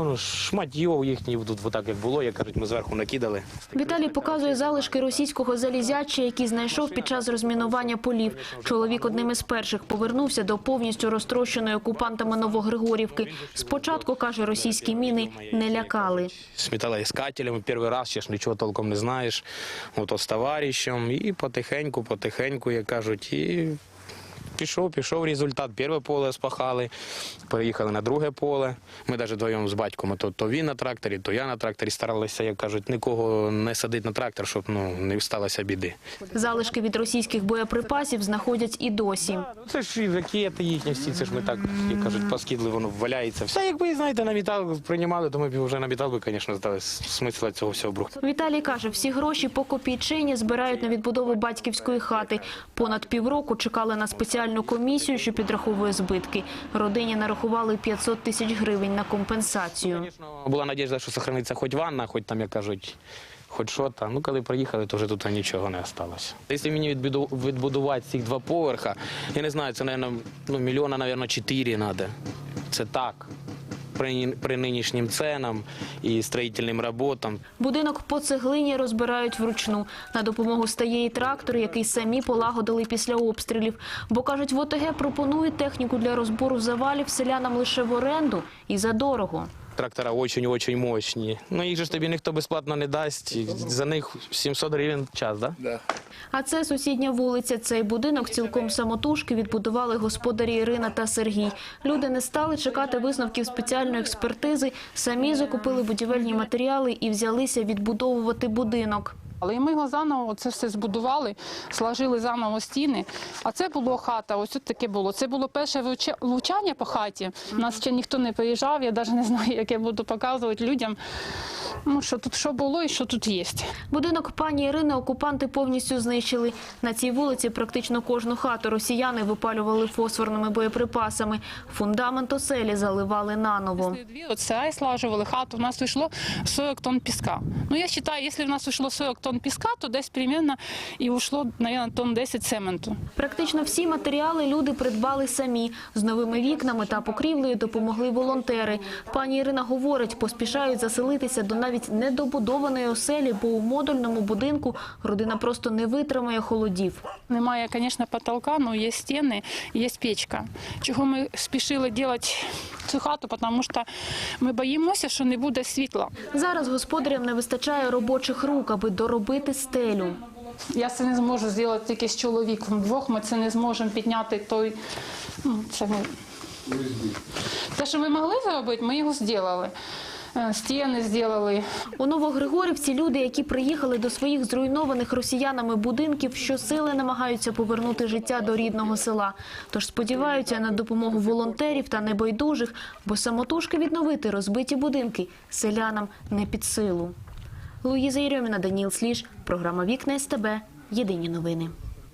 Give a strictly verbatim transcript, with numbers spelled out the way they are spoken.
воно шматьов їхніх тут, отак як було, як кажуть, ми зверху накидали. Віталій показує залишки російського залізяча, які знайшов під час розмінування полів. Чоловік одним із перших повернувся до повністю розтрощеної окупантами Новогригорівки. Спочатку, каже, російські міни не лякали. З металоіскателями перший раз, ще ж нічого толком не знаєш, ото з товаришем, і потихеньку, потихеньку, як кажуть, і пішов, пішов результат. Перше поле спахали, переїхали на друге поле. Ми навіть вдвоєм з батьком, то, то він на тракторі, то я на тракторі старалися, як кажуть, нікого не садити на трактор, щоб ну, не сталося біди. Залишки від російських боєприпасів знаходять і досі. Це ж і ракети їхні всі, це ж ми так, як кажуть, поскидли, воно валяється. Все, якби, знаєте, на метал приймали, то ми б вже на метал би, звісно, здали. Смисла цього всього брухту. Віталій каже, всі гроші по копійчині збирають на відбудову батьківської хати. Понад півроку чекали на спеціальну комісію, що підраховує збитки. Родині нарахували п'ятсот тисяч гривень на компенсацію. Була надіжда, що зберігається хоч ванна, хоч там, як кажуть, хоч що там. Ну, коли приїхали, то вже тут нічого не залишилося. Якщо мені відбудувати цих два поверха, я не знаю, це, мабуть, ну, мільйона, мабуть, чотири треба. Це так. При, при нинішнім ценам і строїтельним роботам. Будинок по цеглині розбирають вручну. На допомогу стає і трактор, який самі полагодили після обстрілів. Бо, кажуть, в ОТГ пропонують техніку для розбору завалів селянам лише в оренду і за дорого. Трактора дуже-дуже мощні. Ну, їх же ж тобі ніхто безплатно не дасть. За них сімсот гривень час, так? Да? А це сусідня вулиця. Цей будинок цілком самотужки відбудували господарі Ірина та Сергій. Люди не стали чекати висновків спеціальної експертизи, самі закупили будівельні матеріали і взялися відбудовувати будинок. Але ми його заново це все збудували, сложили заново стіни. А це було хата, ось тут таке було. Це було перше влучання по хаті. У нас ще ніхто не приїжджав, я навіть не знаю, як я буду показувати людям, ну, що тут що було і що тут є. Будинок пані Ірини окупанти повністю знищили. На цій вулиці практично кожну хату росіяни випалювали фосфорними боєприпасами. Фундамент оселі заливали наново. Оце слажували хату, у нас вийшло сорок тонн піска. Ну, я вважаю, якщо в нас вийшло сорок тонн піска, то десь приблизно і ушло, мабуть, тонн десять цементу. Практично всі матеріали люди придбали самі. З новими вікнами та покрівлею допомогли волонтери. Пані Ірина говорить, поспішають заселитися до навіть недобудованої оселі, бо у модульному будинку родина просто не витримає холодів. Немає, звісно, потолка, але є стіни, є печка. Чого ми спішили робити цю хату, тому що ми боїмося, що не буде світла. Зараз господарям не вистачає робочих рук, аби доробити стелю. Я це не зможу зробити тільки з чоловіком. Вдвох ми це не зможемо підняти той... Ну, це, ми... те, що ми могли зробити, ми його зробили. Стіни зробили. У Новогригорівці люди, які приїхали до своїх зруйнованих росіянами будинків, щосили намагаються повернути життя до рідного села. Тож сподіваються на допомогу волонтерів та небайдужих, бо самотужки відновити розбиті будинки селянам не під силу. Луїза Єрьоміна, Даніл Сліж, програма «Вікна ес те бе», єдині новини.